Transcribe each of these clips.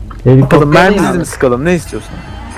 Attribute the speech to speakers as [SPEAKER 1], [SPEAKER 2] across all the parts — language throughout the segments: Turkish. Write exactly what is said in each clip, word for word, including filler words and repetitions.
[SPEAKER 1] Helikopter
[SPEAKER 2] Bakalım mermisiz mi sıkalım, ne istiyorsun?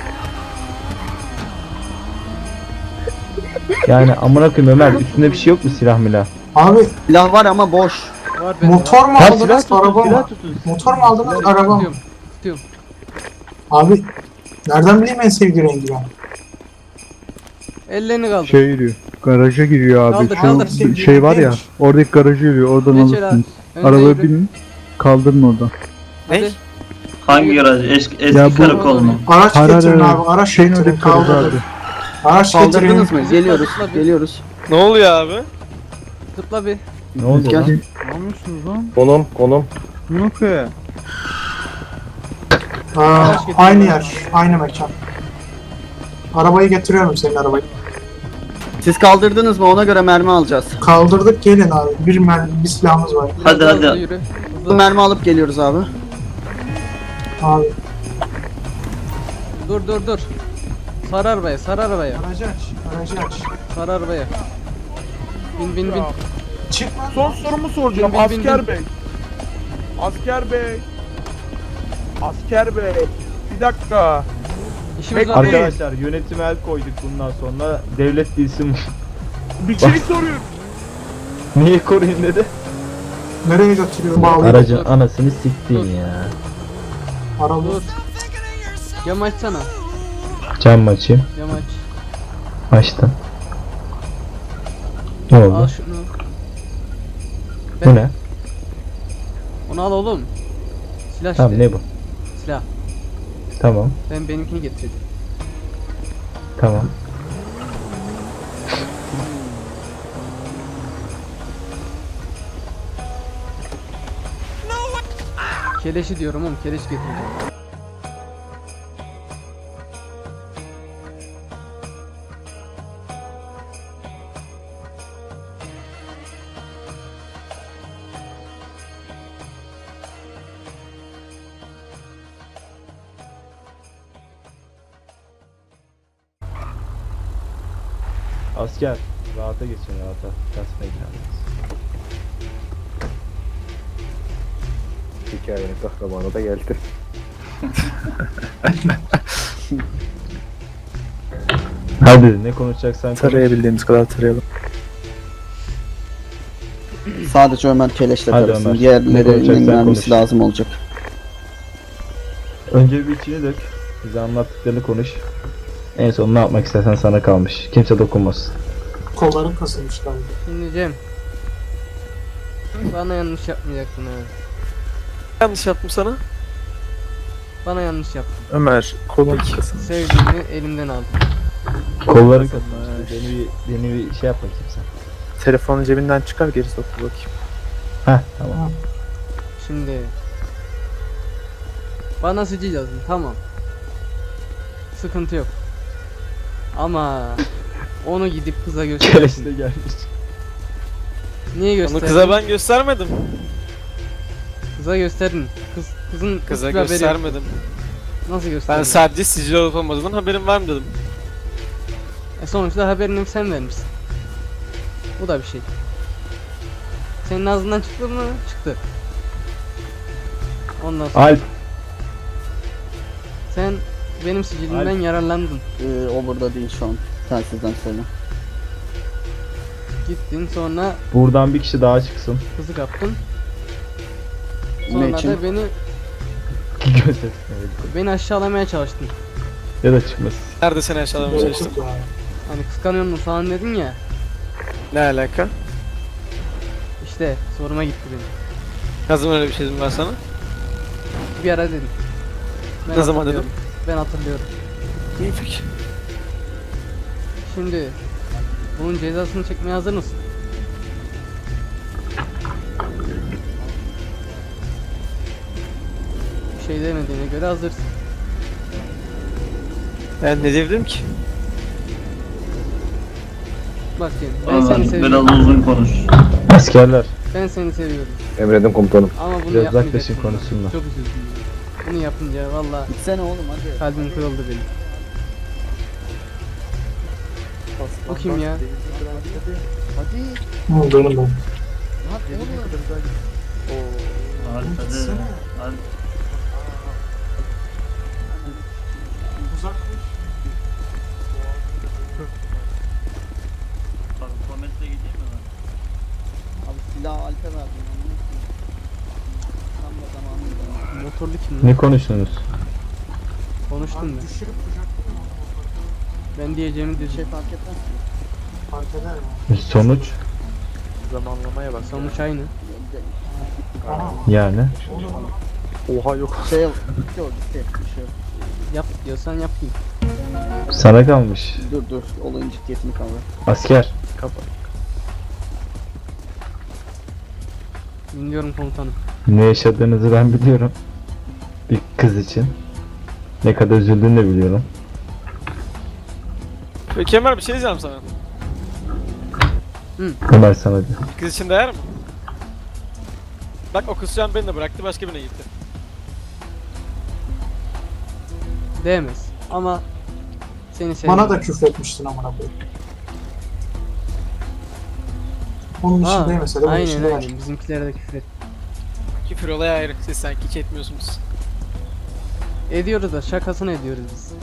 [SPEAKER 1] yani amına koyayım Ömer, üstünde bir şey yok mu, silah milah?
[SPEAKER 3] Abi
[SPEAKER 4] Silah var ama boş.
[SPEAKER 5] Var bende
[SPEAKER 3] motor
[SPEAKER 5] var.
[SPEAKER 3] mu
[SPEAKER 1] Ha, silah
[SPEAKER 3] aldınız
[SPEAKER 1] tutun,
[SPEAKER 3] araba
[SPEAKER 1] silah
[SPEAKER 3] mı?
[SPEAKER 1] tutun.
[SPEAKER 3] Motor mu aldınız
[SPEAKER 5] Silah
[SPEAKER 3] araba mı?
[SPEAKER 5] tutuyorum. Tutuyorum.
[SPEAKER 3] Abi nereden bileyim en sevdiği rengi ben?
[SPEAKER 5] Ellerini kaldır.
[SPEAKER 6] Şey giriyor. Garaja giriyor abi.
[SPEAKER 5] Kaldır,
[SPEAKER 6] Şu
[SPEAKER 5] kaldır.
[SPEAKER 6] şey var ya. Oradaki garaja giriyor. Oradan
[SPEAKER 5] Geç el
[SPEAKER 6] alırsınız.
[SPEAKER 5] abi. Önce
[SPEAKER 6] Arabaya
[SPEAKER 5] yürü.
[SPEAKER 6] binin. Kaldırın oradan.
[SPEAKER 2] Ne?
[SPEAKER 5] Hadi.
[SPEAKER 7] Hangi garaj? Eski, eski
[SPEAKER 6] Ya bu-
[SPEAKER 7] karakol mu?
[SPEAKER 3] Araç
[SPEAKER 6] Hayır,
[SPEAKER 3] getirin
[SPEAKER 6] hayır,
[SPEAKER 3] abi, araç
[SPEAKER 6] şeyin
[SPEAKER 3] getirin,
[SPEAKER 6] oradaki garaj
[SPEAKER 3] kaldırın.
[SPEAKER 6] abi.
[SPEAKER 3] Araç getirin.
[SPEAKER 4] Kaldırdınız mı? Geliyoruz.
[SPEAKER 5] zıpla bir.
[SPEAKER 4] Geliyoruz.
[SPEAKER 2] Ne oluyor abi?
[SPEAKER 5] Zıpla bir.
[SPEAKER 1] Ne oldu
[SPEAKER 4] Gel.
[SPEAKER 1] lan?
[SPEAKER 6] Ne yapıyorsunuz lan?
[SPEAKER 8] Konum konum.
[SPEAKER 6] Ne yapıyor?
[SPEAKER 3] Aa,
[SPEAKER 5] Araç getirin.
[SPEAKER 3] aynı yer, aynı mekan. Arabayı getiriyorum, senin arabayı.
[SPEAKER 4] Siz kaldırdınız mı? Ona göre mermi alacağız.
[SPEAKER 3] Kaldırdık, gelin abi. Bir mermi, bir silahımız var.
[SPEAKER 5] Biraz
[SPEAKER 7] Hadi,
[SPEAKER 5] daha
[SPEAKER 7] hadi.
[SPEAKER 5] hızlı yürü. Hızlı.
[SPEAKER 4] Mermi alıp geliyoruz abi.
[SPEAKER 3] Abi.
[SPEAKER 5] Dur dur dur. Sar arabaya, sar arabaya.
[SPEAKER 3] Aracı aç, aracı aç.
[SPEAKER 5] Sar arabaya. Bin bin bin.
[SPEAKER 3] Çıkma.
[SPEAKER 2] Son sorumu soracağım
[SPEAKER 5] Bin, bin, bin,
[SPEAKER 2] asker
[SPEAKER 5] bin.
[SPEAKER 2] bey. Asker bey. Asker bey. Bir dakika.
[SPEAKER 5] İşimiz
[SPEAKER 2] Bekle.
[SPEAKER 5] var. değil mi?
[SPEAKER 1] Arkadaşlar yönetime el koyduk, bundan sonra devlet değilsin.
[SPEAKER 2] Bir şey soruyorum.
[SPEAKER 1] Niye koruyun dedi?
[SPEAKER 3] Nereye götürüyor? Bağlıyor.
[SPEAKER 1] Aracın anasını siktin ya.
[SPEAKER 3] Araba.
[SPEAKER 5] Dur. Cam açsana.
[SPEAKER 1] Cam açayım.
[SPEAKER 5] Cam aç.
[SPEAKER 1] Açtım. Ne
[SPEAKER 5] Al
[SPEAKER 1] oldu?
[SPEAKER 5] şunu.
[SPEAKER 1] Bu ne?
[SPEAKER 5] Onu al oğlum. Silah
[SPEAKER 1] Tamam,
[SPEAKER 5] işte.
[SPEAKER 1] ne bu?
[SPEAKER 5] Silah.
[SPEAKER 1] Tamam.
[SPEAKER 5] Ben benimkini getirdim.
[SPEAKER 1] Tamam.
[SPEAKER 5] Keleşi diyorum oğlum, keleş getireceğim.
[SPEAKER 1] Asker, rahata geçin, rahata. Kasmayın kendiniz.
[SPEAKER 8] Hikayenin kahramanı da geldi.
[SPEAKER 1] Hadi ne konuşacaksan konuş.
[SPEAKER 2] Tarayabildiğimiz kadar tarayalım.
[SPEAKER 4] Sadece Ömer keleşle
[SPEAKER 1] Hadi
[SPEAKER 4] tarasın.
[SPEAKER 1] Ömer. Ne
[SPEAKER 4] Diğerlerinin
[SPEAKER 1] konuşacaksan
[SPEAKER 4] mermisi
[SPEAKER 1] konuş.
[SPEAKER 4] lazım olacak.
[SPEAKER 1] Önce bir içini dök. Bize anlattıklarını konuş. En son ne yapmak istersen sana kalmış. Kimse dokunmasın.
[SPEAKER 3] Kolların kasılmış galiba.
[SPEAKER 5] Şimdi Cem. Bana yanlış yapmayacaktın ha.
[SPEAKER 2] Yanlış yaptım sana.
[SPEAKER 5] Bana yanlış yaptın.
[SPEAKER 2] Ömer, kolun kesin.
[SPEAKER 5] Sevdiğini elimden aldın.
[SPEAKER 1] Kolların kasılmış. Beni bir, beni bir şey yapma kimse.
[SPEAKER 2] Telefonu cebinden çıkar, geri sok bakayım.
[SPEAKER 1] Heh, tamam.
[SPEAKER 5] Şimdi bana sicil yazın, tamam. Sıkıntı yok. Ama onu gidip kıza göster.
[SPEAKER 1] Keleşle gelmiş.
[SPEAKER 5] Niye
[SPEAKER 2] Onu
[SPEAKER 5] gösterdin?
[SPEAKER 2] kıza ben göstermedim.
[SPEAKER 5] Kıza gösterdin. Kız kızın
[SPEAKER 2] Kıza
[SPEAKER 5] hiçbir haberi yok.
[SPEAKER 2] göstermedim.
[SPEAKER 5] Nasıl gösterdin?
[SPEAKER 2] Ben sadece sicil olup olmadığından haberim var mı dedim.
[SPEAKER 5] E sonuçta haberini sen vermişsin. Bu da bir şey. Senin ağzından çıktı mı? Çıktı. Ondan sonra
[SPEAKER 1] Alp.
[SPEAKER 5] sen benim sicilimden
[SPEAKER 1] Alp.
[SPEAKER 5] yararlandın.
[SPEAKER 4] Ee, o burada değil şu an. Telsizden söyle.
[SPEAKER 5] Gittin sonra
[SPEAKER 1] Buradan bir kişi daha çıksın.
[SPEAKER 5] kızı kaptın.
[SPEAKER 4] Ne
[SPEAKER 5] Sonra
[SPEAKER 4] için?
[SPEAKER 5] da beni
[SPEAKER 1] Göster.
[SPEAKER 5] beni aşağılamaya çalıştın.
[SPEAKER 1] Ya da çıkmasın.
[SPEAKER 2] Nerede seni aşağılamaya çalıştım?
[SPEAKER 3] Yok ya.
[SPEAKER 5] Hani kıskanıyor musun falan dedin ya.
[SPEAKER 2] Ne alaka?
[SPEAKER 5] İşte soruma gitti benim.
[SPEAKER 2] Ne zaman öyle bir şey dedim ben sana?
[SPEAKER 5] Bir ara dedim. Ben
[SPEAKER 2] Ne zaman
[SPEAKER 5] hatırlıyorum. Ben hatırlıyorum.
[SPEAKER 2] İyi peki.
[SPEAKER 5] Şimdi bunun cezasını çekmeye hazır mısın? Bir şey demediğine göre hazırsın.
[SPEAKER 2] Ben ne diyebilirim ki?
[SPEAKER 5] Bak Cem, ben seni
[SPEAKER 7] Ömer
[SPEAKER 5] seviyorum.
[SPEAKER 7] biraz uzun konuş.
[SPEAKER 1] Askerler.
[SPEAKER 5] Ben seni seviyorum.
[SPEAKER 8] Emredin komutanım.
[SPEAKER 5] Ama bunu
[SPEAKER 1] Biraz
[SPEAKER 5] yapmayacaktım.
[SPEAKER 1] uzaklaşın konusunda.
[SPEAKER 5] Çok üzüldüm. ya. Bunu yapınca valla
[SPEAKER 4] Gitsene oğlum hadi.
[SPEAKER 5] kalbim kırıldı benim. O kim ya?
[SPEAKER 3] Ne olduğunu ben.
[SPEAKER 7] Alp hadi. Alp.
[SPEAKER 5] öldü kim lan?
[SPEAKER 1] Ne konuştunuz?
[SPEAKER 5] Konuştum
[SPEAKER 3] Abi
[SPEAKER 5] ben.
[SPEAKER 3] düşürüp kucakladım ama
[SPEAKER 5] Ben diyeceğimi dedim.
[SPEAKER 4] Şey fark etmez.
[SPEAKER 3] fark eder mi?
[SPEAKER 1] Sonuç
[SPEAKER 2] Zamanlamaya bak.
[SPEAKER 5] Sonuç aynı.
[SPEAKER 3] Aha.
[SPEAKER 1] yani.
[SPEAKER 2] Oha yok.
[SPEAKER 4] Şey yok. Yok gitti. Bir şey yok.
[SPEAKER 5] Yap diyorsan yapayım.
[SPEAKER 1] Sana kalmış.
[SPEAKER 4] Dur dur. Olayın ciddiyetini kavra.
[SPEAKER 1] Asker.
[SPEAKER 5] Dinliyorum komutanım.
[SPEAKER 1] Ne yaşadığınızı ben biliyorum. Bir kız için. Ne kadar üzüldüğünü de biliyorum.
[SPEAKER 2] Peki Kemal bir şey diyeceğim sana.
[SPEAKER 1] Ömer sana diyor.
[SPEAKER 2] Kız için değer mi? Bak o kızcağın beni de bıraktı başka birine gitti.
[SPEAKER 5] Değmez. Ama seni seviyorum.
[SPEAKER 3] Bana da küfretmiştin amına koyayım. Onun için
[SPEAKER 5] Ha,
[SPEAKER 3] değil mesela. Bunun için
[SPEAKER 5] aynen
[SPEAKER 3] değil.
[SPEAKER 5] aynen. Bizimkilere de küfür et.
[SPEAKER 2] Küfür olayı ayrı. Siz sanki hiç etmiyorsunuz.
[SPEAKER 5] Ediyoruz da şakasını ediyoruz biz.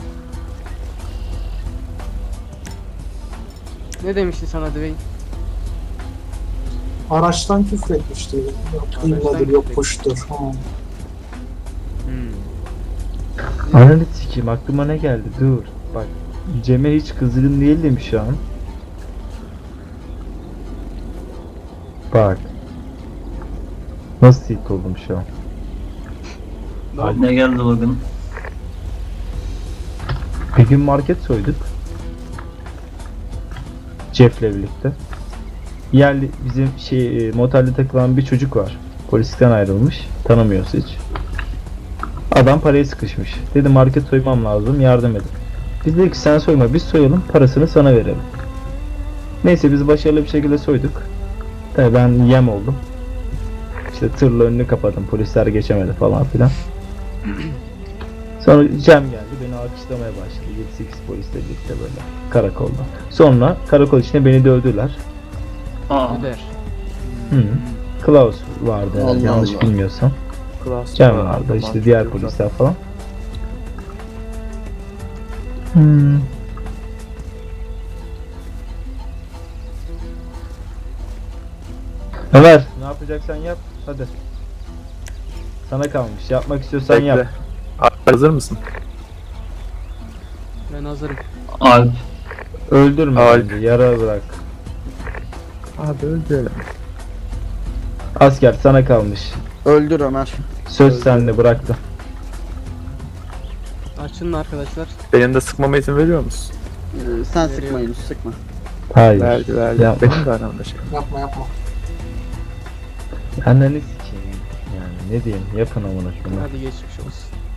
[SPEAKER 5] Ne demişti sana Dwayne?
[SPEAKER 3] Araçtan küfretmişti. Yok
[SPEAKER 5] Araçtan
[SPEAKER 3] imledir, yok
[SPEAKER 5] küfretmiş.
[SPEAKER 3] kuştur. Ha.
[SPEAKER 1] Ananı sikeyim aklıma ne geldi dur. Bak Cem'e hiç kızgın değildim şu an. Bak. Nasıl tilt oldum şu an.
[SPEAKER 7] Ne geldi bugün?
[SPEAKER 1] Bir gün market soyduk. Jeff'le birlikte. Yerli bizim şey e, motelde takılan bir çocuk var. Polisten ayrılmış. Tanımıyoruz hiç. Adam parayı sıkışmış. Dedi market soymam lazım yardım edin. Biz dedik ki sen soyma biz soyalım parasını sana verelim. Neyse biz başarılı bir şekilde soyduk. Tabii ben yem oldum. İşte tırla önünü kapadım polisler geçemedi falan filan. Sonra Cem geldi beni alkışlamaya başladı. yedi sekiz polisle birlikte böyle karakolda. Sonra karakol içinde beni dövdüler.
[SPEAKER 7] Aa,
[SPEAKER 5] Öder.
[SPEAKER 1] Hı. Klaus vardı herhalde,
[SPEAKER 4] Allah
[SPEAKER 1] yanlış
[SPEAKER 4] Allah.
[SPEAKER 1] bilmiyorsam. Cem vardı işte diğer polisler falan. Hmm. Ömer ne yapacaksan yap hadi. Sana kalmış yapmak istiyorsan yap.
[SPEAKER 9] Hazır mısın?
[SPEAKER 5] Ben hazırım.
[SPEAKER 7] Alp.
[SPEAKER 1] Öldürme
[SPEAKER 9] Alp.
[SPEAKER 1] bence yara bırak.
[SPEAKER 9] Abi öldürelim.
[SPEAKER 1] Asker sana kalmış.
[SPEAKER 4] Öldür Ömer.
[SPEAKER 1] Söz sende bıraktım.
[SPEAKER 5] Açın arkadaşlar.
[SPEAKER 9] Benim de sıkmama izin veriyor musun?
[SPEAKER 4] Ee, sen sıkma Yunus sıkma.
[SPEAKER 1] Hayır.
[SPEAKER 9] Verdi verdi.
[SPEAKER 1] Yapma.
[SPEAKER 9] Benim de aramda şey.
[SPEAKER 3] Yapma yapma.
[SPEAKER 1] Anneni sikeyim. Yani ne diyeyim yapın amına şunu.
[SPEAKER 5] Hadi geçmiş olsun.